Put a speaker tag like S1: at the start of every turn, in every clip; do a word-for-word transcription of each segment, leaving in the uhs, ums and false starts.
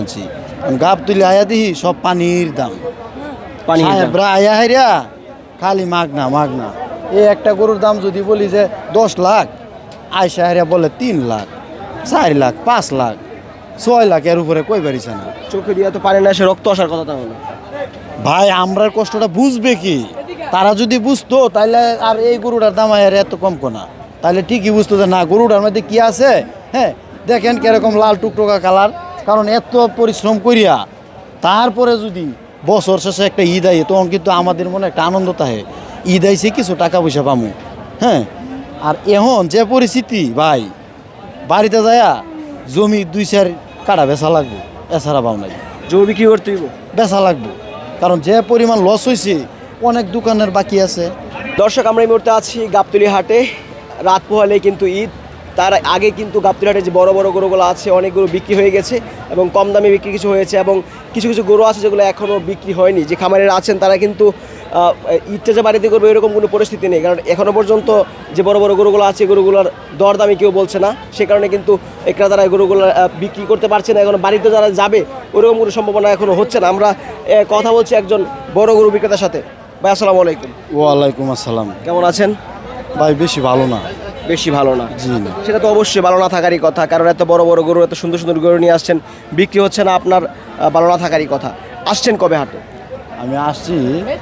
S1: গাব তুলে আয়া দিহি সব পানির দাম
S2: পানি
S1: সাহেবরা আয়া হাইরা খালি মাগনা মাগনা এই একটা গরুর দাম যদি বলি যে দশ লাখ আয়সা হাইরা বলে তিন লাখ চার লাখ পাঁচ লাখ ছয় লাখ এর উপরে কই পারিছে না।
S2: চোখে দিয়ে তো পানি না এসে রক্ত আসার কথা তাহলে
S1: ভাই আমরার কষ্টটা বুঝবে কি? তারা যদি বুঝতো তাহলে আর এই গরুটার দাম আর এত কম কোনা, তাহলে ঠিকই বুঝতো যে না গরুটার মধ্যে কি আছে। হ্যাঁ দেখেন কিরকম লাল টুকটোকা কালার, কারণ এত পরিশ্রম করিয়া তারপরে যদি বছর শেষে একটা ঈদ আই তখন কিন্তু আমাদের মনে একটা আনন্দ থাকে, ঈদ আইসে কিছু টাকা পয়সা পামু। হ্যাঁ আর এখন যে পরিস্থিতি ভাই, বাড়িতে যায়া জমি দুই চার কাটা বেচা লাগবে, এছাড়া পাও নাই।
S2: জমি বিক্রি করতে হইব,
S1: বেচা লাগবে, কারণ যে পরিমাণ লস হয়েছে অনেক দোকানের বাকি আছে।
S2: দর্শক আমরা এই মুহূর্তে আছি গাবতলী হাটে। রাত পোহালে কিন্তু ঈদ, তার আগে কিন্তু গাবতলী হাটে যে বড় বড় গরুগুলো আছে অনেক গরু বিক্রি হয়ে গেছে এবং কম দামে বিক্রি কিছু হয়েছে, এবং কিছু কিছু গরু আছে যেগুলো এখনও বিক্রি হয়নি। যে খামারেরা আছেন তারা কিন্তু ঈদটা যে বাড়িতে করবে এরকম কোনো পরিস্থিতি নেই, কারণ এখনও পর্যন্ত যে বড় বড় গরুগুলো আছে গরুগুলোর দরদামি কেউ বলছে না, সে কারণে কিন্তু ক্রেতারা গরুগুলো বিক্রি করতে পারছে না। এখন বাড়িতে যারা যাবে ওরকম কোনো সম্ভাবনা এখনও হচ্ছে না। আমরা কথা বলছি একজন বড় গরু বিক্রেতার সাথে। ভাই আসসালামু আলাইকুম।
S1: ওয়ালাইকুম আসসালাম।
S2: কেমন আছেন?
S1: ভাই বেশি ভালো না।
S2: বেশি ভালো না?
S1: জি না।
S2: সেটা তো অবশ্যই ভালো না থাকারই কথা, কারণ এত বড় বড় গরু এত সুন্দর সুন্দর গরু নিয়ে আসছেন, বিক্রি হচ্ছে না, আপনার ভালো না থাকারই কথা। আসছেন কবে হাটে?
S1: আমি আসছি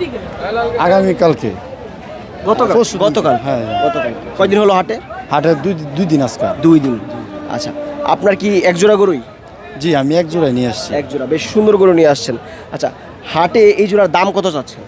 S1: আগামীকালকে।
S2: গতকাল? গতকাল,
S1: হ্যাঁ
S2: গতকাল। কয়দিন হলো হাটে?
S1: হাটের দুই দুই দিন আজকে।
S2: দুই দিন। আচ্ছা, আপনার কি এক জোড়া গরুই?
S1: জি আমি এক জোড়ায় নিয়ে আসছি।
S2: এক জোড়া, বেশ সুন্দর গরু নিয়ে আসছেন। আচ্ছা, হাটে এই জোড়ার দাম কত চাচ্ছে?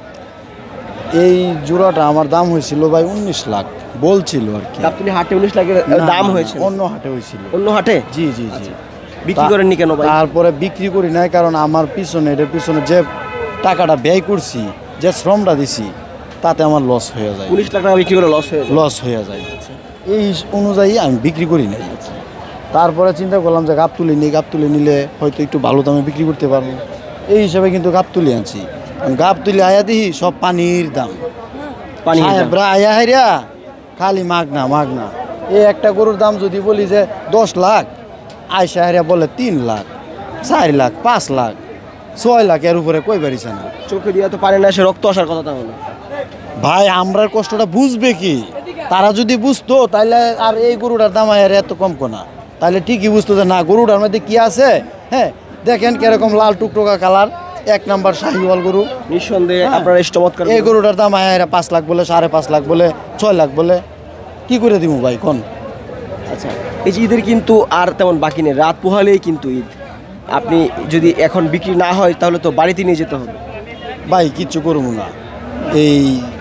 S1: এই জোড়াটা আমার দাম হয়েছিল ভাই উনিশ লাখ বলছিল আর কি।
S2: আপনি হাটে উনিশ লাখের দাম হয়েছে?
S1: অন্য হাটে হয়েছিল।
S2: অন্য হাটে?
S1: জি জি জি।
S2: বিক্রি করেননি কেন ভাই?
S1: তারপরে বিক্রি করি নাই, কারণ আমার পিছনে এটার পিছনে যে টাকাটা ব্যয় করছি, যে শ্রমটা দিছি, তাতে আমার লস হয়ে যায়।
S2: উনিশ লাখ টাকা বিক্রি করে লস হয়ে যায়?
S1: লস হয়ে যায়, এই অনুযায়ী আমি বিক্রি করি নাই। তারপরে চিন্তা করলাম যে গাব তুলে নিই, গাব তুলে নিলে হয়তো একটু ভালো দামে বিক্রি করতে পারবো, এই হিসাবে কিন্তু গাব তুলে আনছি। গাব তুলে আয়া দিহি সব পানির দাম
S2: পানি
S1: সাহেবরা আয়া হাইরা খালি মাগনা মাগনা এই একটা গরুর দাম যদি বলি যে দশ লাখ আয়সা হাইরা বলে তিন লাখ চার লাখ পাঁচ লাখ ছয় লাখ এর উপরে কই পারিছে না।
S2: চোখে দিয়ে তো পানি না এসে রক্ত আসার কথা তাহলে
S1: ভাই আমরার কষ্টটা বুঝবে কি? তারা যদি বুঝতো তাহলে আর এই গরুটার দাম আর এত কম কোনা, তাহলে ঠিকই বুঝতো যে না গরুটার মধ্যে কি আছে। হ্যাঁ দেখেন কিরকম লাল টুকটোকা কালার, এক নাম্বার শাহিওয়াল গরু।
S2: নিঃসন্দেহে আপনার এই চমৎকার
S1: এই গরুটার দাম আয়া পাঁচ লাখ বলে, সাড়ে পাঁচ লাখ বলে, ছয় লাখ বলে, কি করে দিব ভাই কোন?
S2: আচ্ছা, এই যে ঈদের কিন্তু আর তেমন বাকি নেই, রাত পোহালেই কিন্তু ঈদ। আপনি যদি এখন বিক্রি না হয় তাহলে তো বাড়িতে নিয়ে যেতে হবে।
S1: ভাই কিচ্ছু করবো না, এই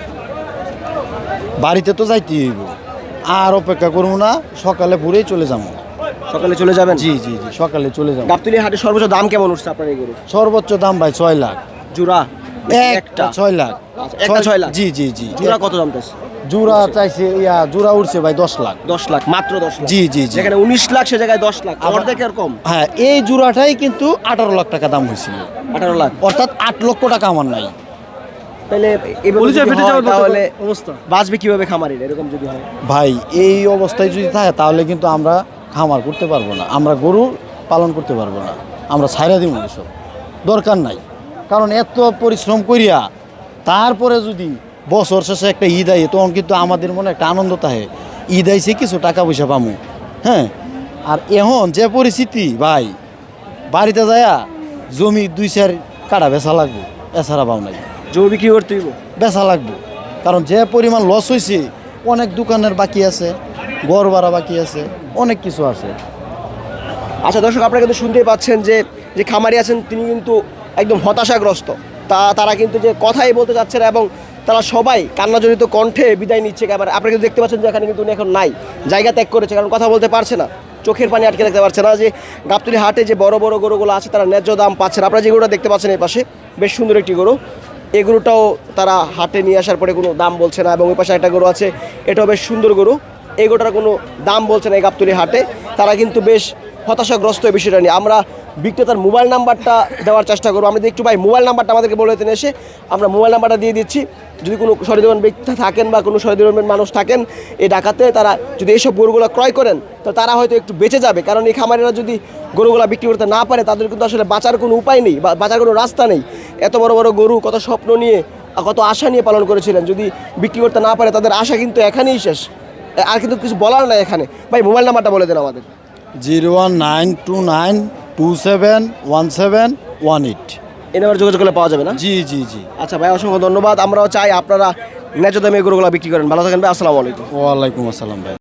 S1: বাড়িতে তো যাইতে হইব, আর অপেক্ষা করবো না, সকালে ভোরেই চলে যাবো।
S2: সকালে চলে যাবেন?
S1: জি জি জি সকালে চলে যাবো।
S2: গাবতলী হাটে সর্বোচ্চ দাম কেমন উঠছে আপনার এই গরু?
S1: সর্বোচ্চ দাম ভাই ছয় লাখ
S2: জোড়া?
S1: একটা ছয় লাখ।
S2: একটা ছয় লাখ?
S1: জি জি জি।
S2: জোড়া কত দাম চাইছে?
S1: জোড়া চাইছে ইয়া জোড়া উঠছে ভাই দশ লাখ।
S2: দশ লাখ? মাত্র দশ লাখ?
S1: জি জি জি।
S2: যেখানে উনিশ লাখ সে জায়গায় দশ লাখ, অর্ধেক আর কম।
S1: হ্যাঁ এই জোড়াটাই কিন্তু আঠারো লাখ টাকা দাম হয়েছিল।
S2: আঠারো লাখ?
S1: অর্থাৎ আট লক্ষ টাকা আমার নাই।
S2: তাহলে এভাবে যদি হয় তাহলে অবস্থা বাঁচবে কিভাবে খামারির এরকম যদি হয়?
S1: ভাই এই অবস্থায় যদি থাকে তাহলে কিন্তু আমরা খামার করতে পারবো না, আমরা গরু পালন করতে পারবো না, আমরা ছাইরা দিব এসব, দরকার নাই। কারণ এত পরিশ্রম করিয়া তারপরে যদি বছর শেষে একটা ঈদ আই তখন কিন্তু আমাদের মনে একটা আনন্দ থাকে, ঈদ আইসে কিছু টাকা পয়সা পামু। হ্যাঁ আর এখন যে পরিস্থিতি ভাই, বাড়িতে যায়া জমি দুই চার কাটা বেচা লাগবে, এছাড়া পাও নাই।
S2: জমি বিক্রি করতে হইব,
S1: বেচা লাগবে, কারণ যে পরিমাণ লস হয়েছে অনেক দোকানের বাকি আছে, ঘর ভাড়া বাকি আছে, অনেক কিছু আছে।
S2: আচ্ছা দর্শক, আপনারা কিন্তু শুনতেই পাচ্ছেন যে যে খামারি আছেন তিনি কিন্তু একদম হতাশাগ্রস্ত। তা তারা কিন্তু যে কথাই বলতে চাচ্ছে না এবং তারা সবাই কান্নাজড়িত কণ্ঠে বিদায় নিচ্ছে। এবার আপনারা কিন্তু দেখতে পাচ্ছেন যে এখানে কিন্তু উনি এখন নাই, জায়গা ত্যাগ করেছে, কারণ কথা বলতে পারছে না, চোখের পানি আটকে রাখতে পারছে না। যে গাবতলী হাটে যে বড় বড় গরুগুলো আছে তারা ন্যায্য দাম পাচ্ছে না। আপনারা যে গরুটা দেখতে পাচ্ছেন এই পাশে, বেশ সুন্দর একটি গরু, এই গরুটাও তারা হাটে নিয়ে আসার পরে কোনো দাম বলছে না। এবং ওই পাশে একটা গরু আছে, এটাও বেশ সুন্দর গরু, এই গরুটার কোনো দাম বলছে না এই গাবতলী হাটে। তারা কিন্তু বেশ হতাশাগ্রস্ত এই বিষয়টা নিয়ে। আমরা বিক্রেতার মোবাইল নাম্বারটা দেওয়ার চেষ্টা করবো। আমরা একটু ভাই মোবাইল নাম্বারটা আমাদেরকে বলে দিতেন এসে, আমরা মোবাইল নাম্বারটা দিয়ে দিচ্ছি। যদি কোনো সহৃদয়বান ব্যক্তি থাকেন বা কোনো সহৃদয়বান মানুষ থাকেন এই ঢাকাতে, তারা যদি এইসব গরুগুলো ক্রয় করেন তো তারা হয়তো একটু বেঁচে যাবে। কারণ এই খামারিরা যদি গরুগুলো বিক্রি করতে না পারে তাদের কিন্তু আসলে বাঁচার কোনো উপায় নেই বা বাঁচার কোনো রাস্তা নেই। এত বড় বড় গরু কত স্বপ্ন নিয়ে কত আশা নিয়ে পালন করেছিলেন, যদি বিক্রি করতে না পারে তাদের আশা কিন্তু এখানেই শেষ, আর কিন্তু কিছু বলার নাই এখানে। ভাই মোবাইল নাম্বারটা বলে দেন আমাদের।
S1: Zero one nine two nine two seven one seven one eight.
S2: এই নাম্বার যোগাযোগ করলে পাওয়া যাবে না?
S1: জি জি জি।
S2: আচ্ছা ভাই, অসংখ্য ধন্যবাদ। আমরাও চাই আপনারা ন্যায্য দামে গরুগুলো বিক্রি করেন। ভালো থাকেন ভাই, আসসালামু আলাইকুম।
S1: ওয়ালাইকুম আসসালাম ভাই।